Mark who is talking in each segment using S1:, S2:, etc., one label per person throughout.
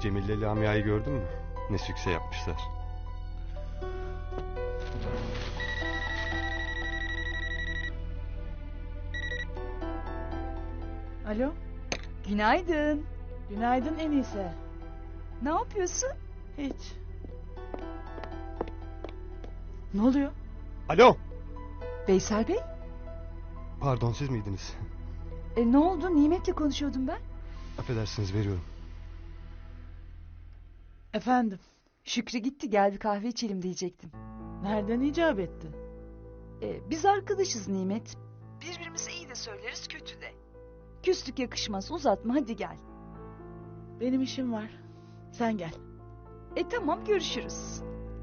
S1: Cemil'le Lamia'yı gördün mü? Ne sükse yapmışlar.
S2: Alo,
S3: Günaydın.
S2: günaydın Enise.
S3: Ne yapıyorsun?
S2: Hiç. Ne oluyor?
S1: Alo!
S3: Veysel Bey?
S1: Pardon, siz miydiniz?
S3: Ne oldu? Nimet'le konuşuyordum ben.
S1: Affedersiniz, veriyorum.
S2: Efendim,
S3: Şükrü gitti, gel bir kahve içelim diyecektim.
S2: nereden icap etti?
S3: Biz arkadaşız Nimet. Birbirimize iyi de söyleriz, kötü de. Küslük yakışmaz, uzatma, hadi gel.
S2: Benim işim var. Sen gel.
S3: Tamam, görüşürüz.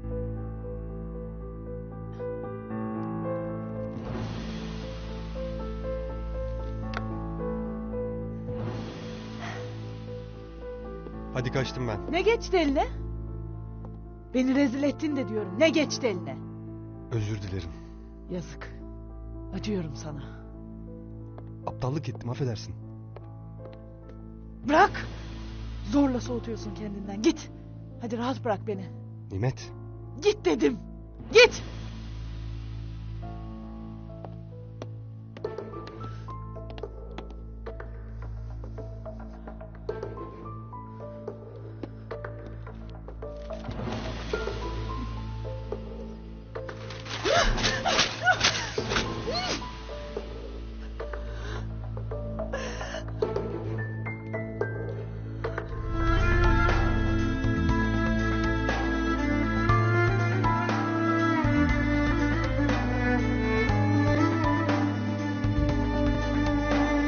S1: Hadi kaçtım ben.
S2: Ne geçti eline? Beni rezil ettin de diyorum. Ne geçti eline?
S1: Özür dilerim.
S2: Yazık. Acıyorum sana.
S1: Aptallık ettim, affedersin.
S2: Bırak! Zorla soğutuyorsun kendinden. Git. Hadi rahat bırak beni.
S1: Nimet,
S2: Git dedim. Git!